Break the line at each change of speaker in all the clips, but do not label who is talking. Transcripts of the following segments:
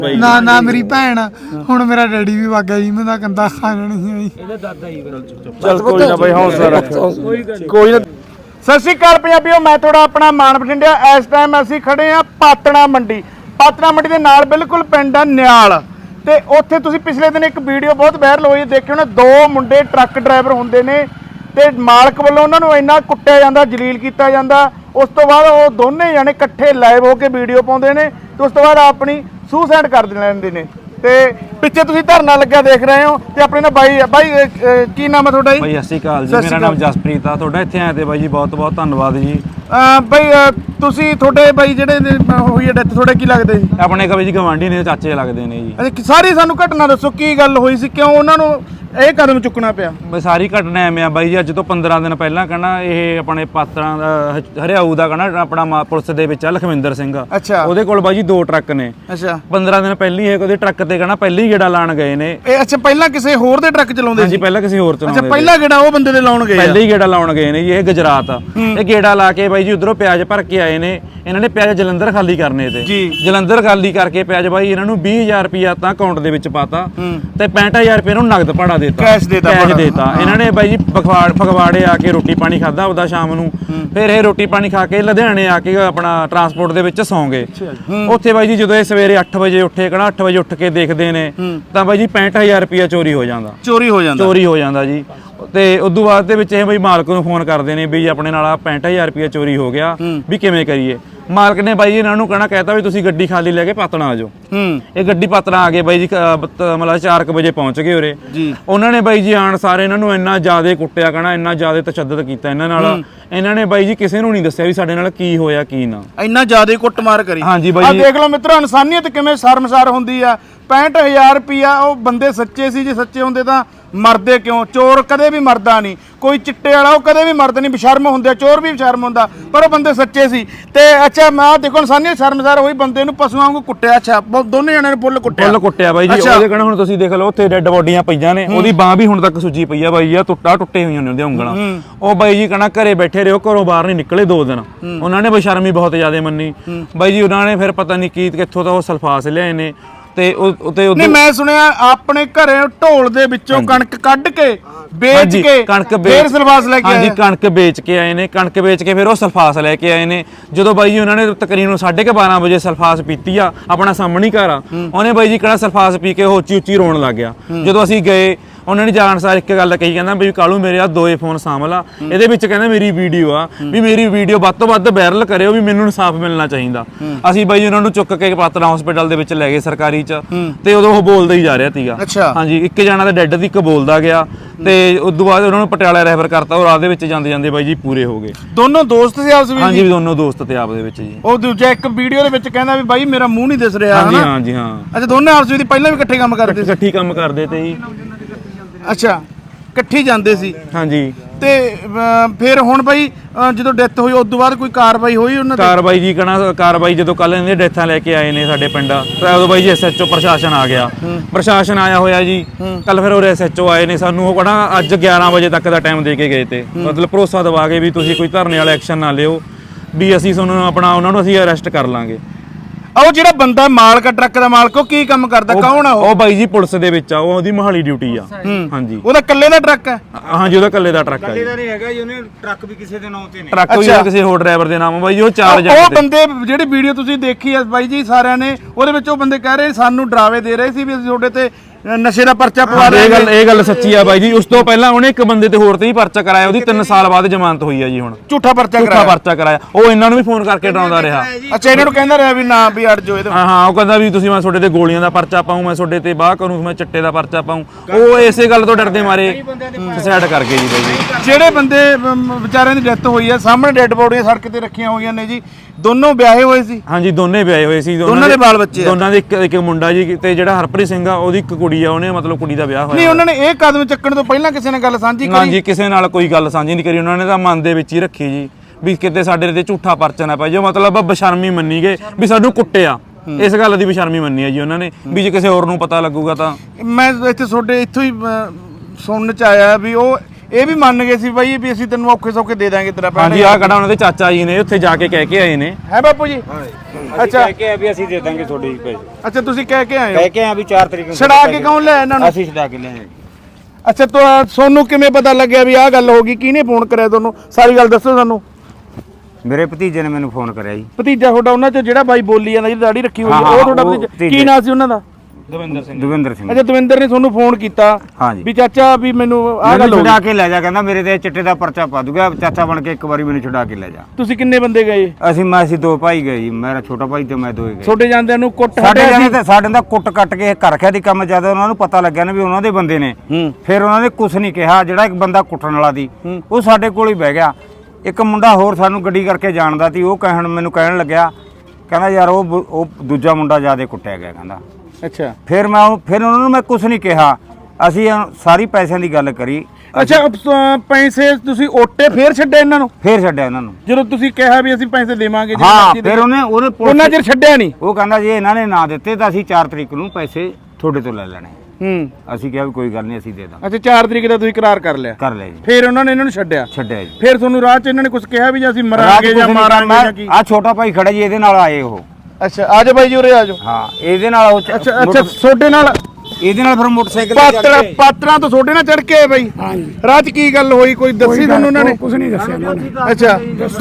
ਨਾ ਨਾ ਮੇਰੀ ਭੈਣ ਹੁਣ ਮੇਰਾ ਡੈਡੀ ਵੀ ਵਗ ਗਿਆ ਜੀ ਮੈਂ ਤਾਂ ਕੰਦਾ ਖਾਣ ਨਹੀਂ ਆਈ
ਇਹਦਾ ਦਾਦਾ ਹੀ
ਚੱਲ ਕੋਈ ਨਾ ਬਾਈ ਹੌਸਲਾ ਰੱਖ ਕੋਈ ਨਾ।
ਸਤਿ ਸ਼੍ਰੀ ਅਕਾਲ ਪੰਜਾਬੀਓ, ਮੈਂ ਤੁਹਾਡਾ ਆਪਣਾ ਮਾਨ ਬਠਿੰਡਿਆ। ਇਸ ਟਾਈਮ ਅਸੀਂ ਖੜੇ ਆ ਪਾਤਣਾ ਮੰਡੀ ਦੇ ਨਾਲ ਬਿਲਕੁਲ ਪਿੰਡ ਆ ਨਿਆਲ ਤੇ ਉੱਥੇ ਤੁਸੀਂ ਪਿਛਲੇ ਦਿਨ ਇੱਕ ਵੀਡੀਓ ਬਹੁਤ ਵਾਇਰਲ ਹੋਈ ਦੇਖਿਓ ਨਾ, ਦੋ ਮੁੰਡੇ ਟਰੱਕ ਡਰਾਈਵਰ ਹੁੰਦੇ ਨੇ ਤੇ ਮਾਲਕ ਵੱਲੋਂ ਉਹਨਾਂ ਨੂੰ ਇੰਨਾ ਕੁੱਟਿਆ ਜਾਂਦਾ, ਜਲੀਲ ਕੀਤਾ ਜਾਂਦਾ। ਉਸ ਤੋਂ ਬਾਅਦ ਉਹ ਦੋਨੇ ਜਾਣੇ ਇਕੱਠੇ ਲਾਈਵ ਹੋ ਕੇ ਵੀਡੀਓ ਪਾਉਂਦੇ ਨੇ ਤੇ ਉਸ ਤੋਂ ਬਾਅਦ ਆਪਣੀ ਸੁਸਾਈਡ ਕਰ ਲੈਂਦੇ ਨੇ। ਤੇ ਪਿੱਛੇ ਤੁਸੀਂ ਧਰਨਾ ਲੱਗਿਆ ਦੇਖ ਰਹੇ ਹੋ ਤੇ ਆਪਣੇ ਨਾਲ ਬਾਈ ਕੀ ਨਾਮ ਹੈ ਤੁਹਾਡਾ ਜੀ?
ਬਾਈ ਸਤਿ ਸ਼੍ਰੀ ਅਕਾਲ ਜੀ, ਮੇਰਾ ਨਾਮ ਜਸਪ੍ਰੀਤ ਆ। ਤੁਹਾਡਾ ਇੱਥੇ ਆਏ ਤੇ ਬਾਈ ਜੀ ਬਹੁਤ ਬਹੁਤ ਧੰਨਵਾਦ ਜੀ।
ਬਾਈ ਤੁਸੀਂ ਤੁਹਾਡੇ ਬਾਈ ਜਿਹੜੇ ਹੋਈ ਹੈ ਡੈਥ ਤੁਹਾਡੇ ਕੀ ਲੱਗਦੇ ਜੀ?
ਆਪਣੇ ਕਵੀ ਜੀ ਗਵਾਂਢੀ ਨੇ, ਚਾਚੇ ਲੱਗਦੇ ਨੇ ਜੀ।
ਅੱਛਾ, ਸਾਰੀ ਸਾਨੂੰ ਘਟਨਾ ਦੱਸੋ, ਕੀ ਗੱਲ ਹੋਈ ਸੀ, ਕਿਉਂ ਉਹਨਾਂ ਨੂੰ ਇਹ ਕਦਮ ਚੁੱਕਣਾ ਪਿਆ?
ਬਈ ਸਾਰੀ ਘਟਨਾ ਐਵੇਂ ਆ ਬਾਈ ਜੀ, ਅੱਜ ਤੋਂ 15 ਦਿਨ ਪਹਿਲਾਂ ਕਹਿਣਾ ਇਹ ਆਪਣੇ ਪਾਤੜਾਂ ਦਾ ਹਰਿਆਊ ਦਾ ਕਹਿਣਾ ਆਪਣਾ ਪੁਲਿਸ ਦੇ ਵਿੱਚ ਆ ਲਖਵਿੰਦਰ ਸਿੰਘ।
ਅੱਛਾ,
ਉਹਦੇ ਕੋਲ ਬਾਈ ਜੀ 2 ਟਰੱਕ ਨੇ।
ਅੱਛਾ,
15 ਦਿਨ ਪਹਿਲੀ ਇਹ ਉਹਦੇ ਟਰੱਕ ਤੇ ਕਹਿਣਾ ਪਹਿਲੀ ਗੇੜਾ ਲਾਣ ਗਏ ਨੇ।
ਇਹ ਅੱਛਾ ਪਹਿਲਾਂ ਕਿਸੇ ਹੋਰ ਦੇ ਟਰੱਕ ਚਲਾਉਂਦੇ
ਹਾਂਜੀ, ਪਹਿਲਾਂ ਕਿਸੇ ਹੋਰ ਚਲਾਉਂਦੇ।
ਅੱਛਾ, ਪਹਿਲਾ ਗੇੜਾ ਉਹ ਬੰਦੇ ਦੇ ਲਾਉਣ ਗਏ?
ਪਹਿਲੇ ਹੀ ਗੇੜਾ ਲਾਉਣ ਗਏ ਨੇ ਜੀ, ਇਹ ਗੁਜਰਾਤ। ਇਹ ਗੇੜਾ ਲਾ ਕੇ ਬਾਈ ਜੀ ਉਧਰੋਂ ਪਿਆਜ਼ ਭਰ ਕੇ ਆਏ ਨੇ। ਇਹਨਾਂ ਨੇ ਪਿਆਜ਼ ਜਲੰਧਰ ਖਾਲੀ ਕਰਨੇ ਤੇ ਜਲੰਧਰ ਖਾਲੀ ਕਰਕੇ ਪਿਆਜ਼ ਬਾਈ ਇਹਨਾਂ ਨੂੰ 20000 ਰੁਪਇਆ ਤਾਂ ਅਕਾਊਂਟ ਦੇ ਵਿੱਚ ਪਾਤਾ ਤੇ 65000 ਰੁਪਏ ਨੂੰ ਨਗਦ ਭਾੜਾ ਦੇਤਾ, ਕੈਸ਼ ਦੇਤਾ ਇਹਨਾਂ ਨੇ ਬਾਈ ਜੀ। ਫਗਵਾੜੇ ਆ ਕੇ ਰੋਟੀ ਪਾਣੀ ਖਾਦਾ ਉਹਦਾ ਸ਼ਾਮ ਨੂੰ, ਫਿਰ ਇਹ ਰੋਟੀ ਪਾਣੀ ਖਾ ਕੇ ਲੁਧਿਆਣੇ ਆ ਕੇ ਆਪਣਾ ਟਰਾਂਸਪੋਰਟ ਦੇ ਵਿੱਚ ਸੌਂ ਗਏ। ਉੱਥੇ ਬਾਈ ਜੀ ਜਦੋਂ ਇਹ ਸਵੇਰੇ 8 ਵਜੇ ਉੱਠੇ, ਕਹਿਣਾ 8 ਵਜੇ ਉੱਠ ਕੇ ਦੇਖਦੇ ਨੇ ਤਾਂ ਬਾਈ ਜੀ 65000 ਰੁਪਇਆ ਚੋਰੀ ਹੋ ਜਾਂਦਾ ਜੀ। ਤੇ ਉਦੋਂ ਬਾਅਦ ਦੇ ਵਿੱਚ ਇਹ ਬਈ ਮਾਲਕ ਨੂੰ ਫੋਨ ਕਰਦੇ ਨੇ ਵੀ ਆਪਣੇ ਨਾਲ 65000 ਰੁਪਇਆ ਚੋਰੀ ਹੋ ਗਿਆ, ਵੀ ਕਿਵੇਂ ਕਰੀਏ। ਮਾਲਕ ਨੇ ਬਾਈ ਇਹਨਾਂ ਨੂੰ ਕਹਿਤਾ ਵੀ ਤੁਸੀਂ ਗੱਡੀ ਖਾਲੀ ਲੈ ਕੇ ਪਾਤਣਾ ਆ ਜਾਓ। ਇਹ ਗੱਡੀ ਪਾਤਣਾ ਆ ਗਏ ਬਾਈ ਜੀ, ਮਤਲਬ 4 ਵਜੇ ਪਹੁੰਚ ਗਏ ਉਰੇ। ਉਹਨਾਂ ਨੇ ਬਾਈ ਜੀ ਆਣ ਸਾਰੇ ਇਹਨਾਂ ਨੂੰ ਇੰਨਾ ਜ਼ਿਆਦਾ ਕੁੱਟਿਆ, ਕਹਿਣਾ ਇੰਨਾ ਜ਼ਿਆਦਾ ਤਸ਼ੱਦਦ ਕੀਤਾ ਇਹਨਾਂ ਨਾਲ। ਇਹਨਾਂ ਨੇ ਬਾਈ ਜੀ ਕਿਸੇ ਨੂੰ ਨਹੀਂ ਦੱਸਿਆ ਵੀ ਸਾਡੇ ਨਾਲ ਕੀ ਹੋਇਆ ਕੀ ਨਾ,
ਇੰਨਾ ਜ਼ਿਆਦਾ ਕੁੱਟਮਾਰ ਕਰੀ।
ਹਾਂਜੀ ਬਾਈ,
ਦੇਖ ਲਓ ਮਿੱਤਰੋ, ਇਨਸਾਨੀਅਤ ਕਿਵੇਂ ਸ਼ਰਮਸਾਰ ਹੁੰਦੀ ਆ। 65000 ਰੁਪਇਆ, ਉਹ ਬੰਦੇ ਸੱਚੇ ਸੀ, ਜੇ ਸੱਚੇ ਹੁੰਦੇ ਤਾਂ ਮਰਦੇ ਕਿਉਂ? ਚੋਰ ਕਦੇ ਵੀ ਮਰਦਾ ਨਹੀਂ, ਕੋਈ ਚਿੱਟੇ ਵਾਲਾ ਉਹ ਕਦੇ ਵੀ ਮਰਦਾ ਨਹੀਂ, ਬਸ਼ਰਮ ਹੁੰਦੇ, ਚੋਰ ਵੀ ਬਸ਼ਰਮ ਹੁੰਦਾ, ਪਰ ਉਹ ਬੰਦੇ ਸੱਚੇ ਸੀ। ਤੇ ਅੱਛਾ ਮੈਂ ਦੇਖੋ ਇਨਸਾਨੀਅਤ ਸ਼ਰਮਸਾਰ ਹੋਈ, ਬੰਦੇ ਨੂੰ ਪਸ਼ੂਆਂ ਵਾਂਗੂ ਕੁੱਟਿਆ। ਅੱਛਾ, ਦੋਨੇ ਜਣਿਆਂ ਨੇ ਫੁੱਲ ਕੁੱਟਿਆ
ਬਾਈ ਜੀ। ਉਹਦੇ ਕਹਿਣਾ ਹੁਣ ਤੁਸੀਂ ਦੇਖ ਲਓ ਉੱਥੇ ਡੈੱਡ ਬੋਡੀਆਂ ਪਈਆਂ ਨੇ, ਉਹਦੀ ਬਾਹ ਵੀ ਹੁਣ ਤੱਕ ਸੁੱਜੀ ਪਈ ਆ ਬਾਈ ਜੀ, ਟੁੱਟੇ ਹੋਈਆਂ ਨੇ ਉਹਦੀਆਂ ਉਂਗਲਾਂ। ਉਹ ਬਾਈ ਜੀ ਕਹਿਣਾ ਘਰੇ ਬੈਠੇ ਰਹੋ, ਘਰੋਂ ਬਾਹਰ ਨਹੀਂ ਨਿਕਲੇ 2 ਦਿਨ। ਉਹਨਾਂ ਨੇ ਬਸ਼ਰਮੀ ਬਹੁਤ ਜ਼ਿਆਦਾ ਮੰਨੀ ਬਾਈ ਜੀ। ਉਹਨਾਂ ਨੇ ਫਿਰ ਪਤਾ ਨਹੀਂ ਕੀ ਕਿੱਥੋਂ ਤਾਂ ਉਹ ਸਲਫਾਸ ਲਿਆਏ ਨੇ ਤੇ ਨਹੀਂ, ਮੈਂ ਸੁਣਿਆ ਆਪਣੇ ਘਰੇ ਢੋਲ ਦੇ ਵਿੱਚੋਂ ਕਣਕ ਕੱਢ ਕੇ ਵੇਚ ਕੇ ਫਿਰ ਸਲਫਾਸ ਲੈ ਕੇ ਆਏ। ਹਾਂਜੀ, ਕਣਕ ਵੇਚ ਕੇ ਆਏ ਨੇ, ਕਣਕ ਵੇਚ ਕੇ ਫਿਰ ਉਹ ਸਲਫਾਸ ਲੈ ਕੇ ਆਏ ਨੇ। ਜਦੋਂ ਬਾਈ ਜੀ ਉਹਨਾਂ ਨੇ ਤਕਰੀਬਨ 12:30 ਵਜੇ ਸਲਫਾਸ ਪੀਤੀ ਆ, ਆਪਣਾ ਸਾਹਮਣੇ ਘਰ ਆ, ਉਹਨੇ ਬਾਈ ਜੀ ਕਿਹੜਾ ਸਲਫਾਸ ਪੀ ਕੇ ਉਹ ਉੱਚੀ ਉੱਚੀ ਰੋਣ ਲੱਗ ਗਿਆ। ਜਦੋਂ ਅਸੀਂ ਗਏ ਉਹਨਾਂ ਨੇ ਜਾਣ ਸਾਰ ਇੱਕ ਗੱਲ ਕਹੀ, ਕਹਿੰਦਾ ਵੀ ਕਾਲੂ ਮੇਰੇ ਆ 2 ਫੋਨ ਸਾਂਭ ਲਾ, ਇਹਦੇ ਵਿੱਚ ਕਹਿੰਦਾ ਮੇਰੀ ਵੀਡੀਓ ਆ, ਵੀ ਮੇਰੀ ਵੀਡੀਓ ਵੱਧ ਤੋਂ ਵੱਧ ਵਾਇਰਲ ਕਰਿਓ, ਵੀ ਮੈਨੂੰ ਇਨਸਾਫ ਮਿਲਣਾ ਚਾਹੀਦਾ। ਅਸੀਂ ਬਾਈ ਉਹਨਾਂ ਨੂੰ ਚੁੱਕ ਕੇ ਪਾਤੜਾ ਹਸਪੀਟਲ ਦੇ ਵਿੱਚ ਲੈ ਗਏ ਸਰਕਾਰੀ ਚ, ਤੇ ਉਦੋਂ ਉਹ ਬੋਲਦਾ ਹੀ ਜਾ ਰਿਹਾ ਸੀਗਾ। ਹਾਂਜੀ, ਇੱਕ ਜਣਾ ਤਾਂ ਡੈੱਡ ਦੀ, ਇੱਕ ਬੋਲਦਾ ਗਿਆ ਤੇ ਉਸ ਤੋਂ ਬਾਅਦ ਉਹਨਾਂ ਨੂੰ ਪਟਿਆਲਾ ਰੈਫਰ ਕਰਤਾ। ਉਹ ਰਾਹ ਦੇ ਵਿੱਚ ਜਾਂਦੇ ਜਾਂਦੇ ਬਾਈ ਜੀ ਪੂਰੇ ਹੋ ਗਏ। ਦੋਨੋਂ ਦੋਸਤ ਸੀ ਆਪਸ ਵਿੱਚ? ਹਾਂਜੀ, ਦੋਨੋਂ ਦੋਸਤ ਤੇ ਆਪ ਦੇ ਵਿੱਚ ਜੀ। ਉਹ ਦੂਜਾ ਇੱਕ ਵੀਡੀਓ ਦੇ ਵਿੱਚ ਕਹਿੰਦਾ ਵੀ ਬਾਈ ਮੇਰਾ ਮੂੰਹ ਨਹੀਂ ਦਿਸ ਰਿਹਾ। ਹਾਂਜੀ ਹਾਂ। ਅੱਛਾ, ਦੋਨੇ ਆਪਸ ਵਿੱਚ ਪਹਿਲਾਂ ਵੀ ਇਕੱਠੇ ਕੰਮ ਕਰਦੇ ਸੀ? ਇਕੱਠੀ ਕੰਮ ਕਰਦੇ ਤੇ ਜੀ। ਅੱਛਾ, ਇਕੱਠੀ ਜਾਂਦੇ ਸੀ। ਹਾਂਜੀ। ਤੇ ਫਿਰ ਹੁਣ ਬਾਈ ਜਦੋਂ ਡੈਥ ਹੋਈ ਉਸ ਤੋਂ ਬਾਅਦ ਕੋਈ ਕਾਰਵਾਈ ਹੋਈ ਉਹਨਾਂ ਤੇ? ਕਾਰਵਾਈ ਜੀ ਕਹਿਣਾ, ਕਾਰਵਾਈ ਜਦੋਂ ਕੱਲ ਇਹਨਾਂ ਦੇ ਡੈਥਾਂ ਲੈ ਕੇ ਆਏ ਨੇ ਸਾਡੇ ਪਿੰਡ, ਤਾਂ ਉਦੋਂ ਬਾਈ ਜੀ SHO ਪ੍ਰਸ਼ਾਸਨ ਆ ਗਿਆ। ਪ੍ਰਸ਼ਾਸਨ ਆਇਆ ਹੋਇਆ ਜੀ ਕੱਲ, ਫਿਰ ਉਹ SHO ਆਏ ਨੇ। ਸਾਨੂੰ ਉਹ ਕਹਿਣਾ ਅੱਜ 11 ਵਜੇ ਤੱਕ ਦਾ ਟਾਈਮ ਦੇ ਕੇ ਗਏ ਤੇ, ਮਤਲਬ ਭਰੋਸਾ ਦਵਾ ਕੇ ਵੀ ਤੁਸੀਂ ਕੋਈ ਧਰਨੇ ਵਾਲਾ ਐਕਸ਼ਨ ਨਾ ਲਿਓ, ਵੀ ਅਸੀਂ ਤੁਹਾਨੂੰ ਆਪਣਾ ਉਹਨਾਂ ਨੂੰ ਅਸੀਂ ਅਰੈਸਟ ਕਰ ਲਾਂਗੇ। ਉਹ ਜਿਹੜਾ ਬੰਦਾ ਮਾਲਕ ਟਰੱਕ ਦਾ ਮਾਲਕ, ਉਹ ਕੀ ਕੰਮ ਕਰਦਾ, ਕੌਣ ਆ ਉਹ? ਬਾਈ ਜੀ ਪੁਲਿਸ ਦੇ ਵਿੱਚ ਆ, ਉਹਦੀ ਮੋਹਾਲੀ ਡਿਊਟੀ ਆ। ਹਾਂਜੀ, ਉਹਦਾ ਇਕੱਲੇ ਦਾ ਟਰੱਕ ਹੈ? ਹਾਂਜੀ, ਉਹਦਾ ਇਕੱਲੇ ਦਾ ਟਰੱਕ ਹੈ। ਇਕੱਲੇ ਦਾ ਨਹੀਂ ਹੈਗਾ ਜੀ, ਉਹਨੇ ਟਰੱਕ ਵੀ ਕਿਸੇ ਦੇ ਨਾਮ ਤੇ ਨਹੀਂ, ਟਰੱਕ ਵੀ ਕਿਸੇ ਹੋਰ ਡਰਾਈਵਰ ਦੇ ਨਾਮ। ਬਾਈ ਜੀ ਉਹ 4 ਜਣੇ। ਉਹ ਬੰਦੇ ਜਿਹੜੀ ਵੀਡੀਓ ਤੁਸੀਂ ਦੇਖੀ ਆ ਬਾਈ ਜੀ ਸਾਰਿਆਂ ਨੇ, ਉਹਦੇ ਵਿੱਚ ਉਹ ਬੰਦੇ ਕਹਿ ਰਹੇ ਸਾਨੂੰ ਡਰਾਵੇ ਦੇ ਰਹੇ ਸੀ ਵੀ ਅਸੀਂ ਤੁਹਾਡੇ ਤੇ ਨਸ਼ੇ ਦਾ ਪਰਚਾ ਪਵਾ ਰਹੇ। ਇਹ ਗੱਲ ਸੱਚੀ ਆ ਬਾਈ ਜੀ। ਉਸ ਤੋਂ ਪਹਿਲਾਂ ਉਹਨੇ ਇੱਕ ਬੰਦੇ ਤੇ ਹੋਰ ਤੇ ਹੀ ਪਰਚਾ ਕਰਾਇਆ, ਉਹਦੀ 3 ਸਾਲ ਬਾਅਦ ਜ਼ਮਾਨਤ ਹੋਈ ਆ ਜੀ। ਹੁਣ ਝੂਠਾ ਪਰਚਾ ਕਰਾਇਆ। ਉਹ ਇਹਨਾਂ ਨੂੰ ਵੀ ਫੋਨ ਕਰਕੇ ਡਰਾਉਂਦਾ ਰਿਹਾ। ਅੱਛਾ, ਇਹਨਾਂ ਨੂੰ ਕਹਿੰਦਾ ਰਿਹਾ ਵੀ ਨਾ ਵੀ ਅੜ ਜਾਓ ਇਹਦੇ। ਹਾਂ, ਉਹ ਕਹਿੰਦਾ ਵੀ ਤੁਸੀਂ ਮੈਂ ਤੁਹਾਡੇ ਤੇ ਗੋਲੀਆਂ ਦਾ ਪਰਚਾ ਪਾਉਂ, ਮੈਂ ਤੁਹਾਡੇ ਤੇ ਬਾਹ ਕਰੂੰ, ਮੈਂ ਚਿੱਟੇ ਦਾ ਪਰਚਾ ਪਾਉਂ। ਉਹ ਇਸੇ ਗੱਲ ਤੋਂ ਡਰਦੇ ਮਾਰੇ ਸੁਸਾਈਡ ਕਰ ਗਏ ਜੀ ਬਾਈ ਜੀ। ਜਿਹੜੇ ਬੰਦੇ ਵਿਚਾਰਿਆਂ ਦੀ ਡੈਥ ਹੋਈ ਆ, ਸਾਹਮਣੇ ਡੈੱਡ ਬੋਡੀਆਂ ਸੜਕ ਤੇ ਰੱਖੀਆਂ ਹੋਈਆਂ ਨੇ ਜੀ, ਦੋਨੋਂ ਵਿਆਹੇ ਹੋਏ ਸੀ? ਹਾਂਜੀ, ਦੋਨੇ ਵਿਆਹੇ ਹੋਏ ਸੀ। ਦੋਨਾਂ ਦੇ ਬਾਲ ਬੱਚੇ? ਦੋਨਾਂ ਦੇ ਇੱਕ ਮੁੰਡਾ ਜੀ, ਤੇ ਜਿਹੜਾ ਹਰਪ੍ਰੀਤ ਸਿੰਘ ਆ ਉਹਦੀ ਇੱਕ ਕੁੜੀ ਆ, ਉਹਨੇ ਮਤਲਬ ਕੁੜੀ ਦਾ ਵਿਆਹ ਹੋਇਆ। ਨਹੀਂ, ਉਹਨਾਂ ਨੇ ਇਹ ਕਦਮ ਚੱਕਣ ਤੋਂ ਪਹਿਲਾਂ ਕਿਸੇ ਨਾਲ ਗੱਲ ਸਾਂਝੀ ਕਰੀ? ਹਾਂਜੀ, ਕਿਸੇ ਨਾਲ ਕੋਈ ਗੱਲ ਸਾਂਝੀ ਨਹੀਂ ਕਰੀ। ਉਹਨਾਂ ਨੇ ਤਾਂ ਮਨ ਦੇ ਵਿੱਚ ਹੀ ਰੱਖੀ ਜੀ ਵੀ ਕਿਤੇ ਸਾਡੇ ਤੇ ਝੂਠਾ ਪਰਚਾ ਨਾ ਪੈ ਜਾਏ, ਮਤਲਬ ਬਸ਼ਰਮੀ ਮੰਨੀ ਗਏ ਵੀ ਸਾਨੂੰ ਕੁੱਟਿਆ। ਇਸ ਗੱਲ ਦੀ ਬਸ਼ਰਮੀ ਮੰਨੀ ਹੈ ਜੀ ਉਹਨਾਂ ਨੇ, ਵੀ ਜੇ ਕਿਸੇ ਹੋਰ ਨੂੰ ਪਤਾ ਲੱਗੂਗਾ ਤਾਂ। ਮੈਂ ਇੱਥੇ ਤੁਹਾਡੇ ਇੱਥੋਂ ਹੀ ਸੁਣਨ ਚ ਆਇਆ ਵੀ ਉਹ
ਇਹ ਵੀ ਮੰਨ ਗਏ ਸੀ ਬਾਈ ਵੀ ਅਸੀਂ ਤੈਨੂੰ ਔਖੇ ਸੌਖੇ ਦੇ ਦਾਂਗੇ ਤੇਰਾ ਪੈਂਟ।
ਹਾਂਜੀ, ਆਹ ਖੜਾ ਉਹਨਾਂ ਦੇ ਚਾਚਾ ਜੀ ਨੇ ਉੱਥੇ ਜਾ ਕੇ ਕਹਿ ਕੇ ਆਏ ਨੇ।
ਹੈ ਬਾਪੂ ਜੀ? ਅੱਛਾ
ਕਹਿ ਕੇ ਵੀ ਅਸੀਂ ਦੇ ਦਾਂਗੇ ਤੁਹਾਡੇ ਪੈਸੇ।
ਅੱਛਾ ਤੁਸੀਂ ਕਹਿ ਕੇ ਆਏ ਹੋ?
ਕਹਿ ਕੇ ਆ ਵੀ 4 ਤਰੀਕ ਨੂੰ
ਛੜਾ ਕੇ ਕੌਣ ਲਿਆ ਇਹਨਾਂ ਨੂੰ?
ਅਸੀਂ ਛਡਾ ਕੇ ਲਿਆਏ।
ਅੱਛਾ ਤੁਹਾਨੂੰ ਕਿਵੇਂ ਪਤਾ ਲੱਗਿਆ ਵੀ ਆਹ ਗੱਲ ਹੋ ਗਈ? ਕਿਹਨੇ ਫੋਨ ਕਰਿਆ ਤੁਹਾਨੂੰ? ਸਾਰੀ ਗੱਲ ਦੱਸੋ ਸਾਨੂੰ।
ਮੇਰੇ ਭਤੀਜੇ ਨੇ ਮੈਨੂੰ ਫੋਨ ਕਰਿਆ ਜੀ।
ਭਤੀਜਾ ਤੁਹਾਡਾ ਉਹਨਾਂ ਚ ਜਿਹੜਾ ਬਾਈ ਬੋਲੀ ਜਾਂਦਾ ਜਿਹੜੀ ਦਾੜੀ ਰੱਖੀ ਹੋਈ ਹੈ,
ਹਾਂ,
ਉਹ ਤੁਹਾਡਾ
ਉਹ
ਭਤੀਜਾ?
ਭਤੀਜਾ।
ਕੀ ਨਾਂ ਸੀ ਉਹਨਾਂ ਦਾ?
ਦਵਿੰਦਰ ਸਿੰਘ।
ਅੱਛਾ ਦਵਿੰਦਰ ਨੇ ਤੁਹਾਨੂੰ ਫੋਨ ਕੀਤਾ
ਹਾਂਜੀ।
ਵੀ ਚਾਚਾ ਵੀ ਮੈਨੂੰ ਆਹ ਗੱਲ ਹੋ
ਛਡਾ
ਗਈ।
ਕੇ ਲੈ ਜਾ, ਕਹਿੰਦਾ ਮੇਰੇ ਤੇ ਚਿੱਟੇ ਦਾ ਪਰਚਾ ਪਾ ਦੂਗਾ, ਚਾਚਾ ਬਣ ਕੇ ਇੱਕ ਵਾਰੀ ਮੈਨੂੰ ਛਡਾ ਕੇ ਲੈ ਜਾ।
ਤੁਸੀਂ ਕਿੰਨੇ ਬੰਦੇ ਗਏ?
ਅਸੀਂ ਦੋ ਭਾਈ ਗਏ ਜੀ, ਮੇਰਾ ਛੋਟਾ ਭਾਈ ਤੇ ਮੈਂ ਦੋਏ ਗਏ।
ਛੋਟੇ ਜਾਂਦਿਆਂ ਨੂੰ ਕੁੱਟ
ਸਾਡੇ
ਹਟਿਆ
ਜਾਣੇ
ਸੀ?
ਤੇ ਸਾਡੇ ਦਾ ਕੁੱਟ ਕੱਟ ਕੇ ਕਰ ਰੱਖਿਆ ਦੀ ਕੰਮ ਜ਼ਿਆਦਾ, ਉਹਨਾਂ ਨੂੰ ਪਤਾ ਲੱਗਿਆ ਨਾ ਵੀ ਉਹਨਾਂ ਦੇ ਬੰਦੇ ਨੇ। ਫਿਰ ਉਹਨਾਂ ਨੇ ਕੁਝ ਨਹੀਂ ਕਿਹਾ। ਜਿਹੜਾ ਇੱਕ ਬੰਦਾ ਕੁੱਟਣ ਵਾਲਾ ਸੀ ਉਹ ਸਾਡੇ ਕੋਲ ਹੀ ਬਹਿ ਗਿਆ। ਇੱਕ ਮੁੰਡਾ ਹੋਰ ਸਾਨੂੰ ਗੱਡੀ ਕਰਕੇ ਜਾਣਦਾ ਸੀ, ਉਹ ਮੈਨੂੰ ਕਹਿਣ ਲੱਗਿਆ, ਕਹਿੰਦਾ ਯਾਰ ਉਹ ਦੂਜਾ ਮੁੰਡਾ ਜ਼ਿਆਦਾ ਕੁੱਟਿਆ ਗਿਆ ਕਹਿੰਦਾ।
ਅੱਛਾ
ਫਿਰ ਉਹਨਾਂ ਨੂੰ ਮੈਂ ਕੁਝ ਨਹੀਂ ਕਿਹਾ। ਅਸੀਂ ਸਾਰੀ ਪੈਸਿਆਂ ਦੀ ਗੱਲ ਕਰੀ।
ਅੱਛਾ ਪੈਸੇ ਤੁਸੀਂ ਓਟੇ ਫੇਰ ਛੱਡੇ ਇਹਨਾਂ ਨੂੰ?
ਫੇਰ ਛੱਡਿਆ ਉਹਨਾਂ ਨੂੰ
ਜਦੋਂ ਤੁਸੀਂ ਕਿਹਾ ਵੀ ਅਸੀਂ ਪੈਸੇ ਦੇਵਾਂਗੇ ਜੇ
ਹਾਂ।
ਮਰਜ਼ੀ ਦੇ-
ਫਿਰ ਉਹਨੇ
ਉਹਨਾਂ ਚਿਰ ਛੱਡਿਆ ਨਹੀਂ?
ਉਹ ਕਹਿੰਦਾ ਜੇ ਇਹਨਾਂ ਨੇ ਨਾ ਦਿੱਤੇ ਤਾਂ ਅਸੀਂ 4 ਤਰੀਕ ਨੂੰ ਪੈਸੇ ਤੁਹਾਡੇ ਤੋਂ ਲੈ ਲੈਣੇ। ਅਸੀਂ ਕਿਹਾ ਵੀ ਕੋਈ ਗੱਲ ਨਹੀਂ, ਅਸੀਂ ਦੇ ਦਾਂਗੇ।
ਅੱਛਾ 4 ਤਰੀਕ ਦਾ ਤੁਸੀਂ ਇਕਰਾਰ ਕਰ ਲਿਆ?
ਕਰ ਲਿਆ ਜੀ।
ਫਿਰ ਉਹਨਾਂ ਨੇ ਇਹਨਾਂ ਨੂੰ ਛੱਡਿਆ?
ਛੱਡਿਆ ਜੀ।
ਫਿਰ ਤੁਹਾਨੂੰ ਰਾਹ 'ਚ ਇਹਨਾਂ ਨੇ ਕੁਝ ਕਿਹਾ ਵੀ ਜੇ ਅਸੀਂ ਮਰਾਂਗੇ ਜਾਂ ਮਾਰਾਂਗੇ ਜਾਂ ਕੀ?
ਆ ਛੋਟਾ ਭਾਈ ਖੜਾ ਜੀ, ਇਹਦੇ ਨਾਲ ਆਏ ਉਹ।
ਅੱਛਾ ਆਜੋ ਬਾਈ ਜੀ ਉਰੇ ਆਜੋ।
ਹਾਂ, ਇਹਦੇ ਨਾਲ ਉਹ
ਅੱਛਾ ਤੁਹਾਡੇ ਨਾਲ
ਇਹਦੇ ਨਾਲ ਫਿਰ ਮੋਟਰਸਾਈਕਲ ਤੇ ਚੜ੍ਹ ਕੇ
ਪਾਤਰਾਂ ਤੋਂ ਤੁਹਾਡੇ ਨਾਲ ਚੜ ਕੇ ਆਏ ਬਾਈ?
ਹਾਂਜੀ।
ਰਾਤ ਕੀ ਗੱਲ ਹੋਈ? ਕੋਈ ਦੱਸੀ ਤੁਹਾਨੂੰ ਉਹਨਾਂ ਨੇ?
ਕੁਝ ਨਹੀਂ ਦੱਸਿਆ ਉਹਨਾਂ ਨੇ।
ਅੱਛਾ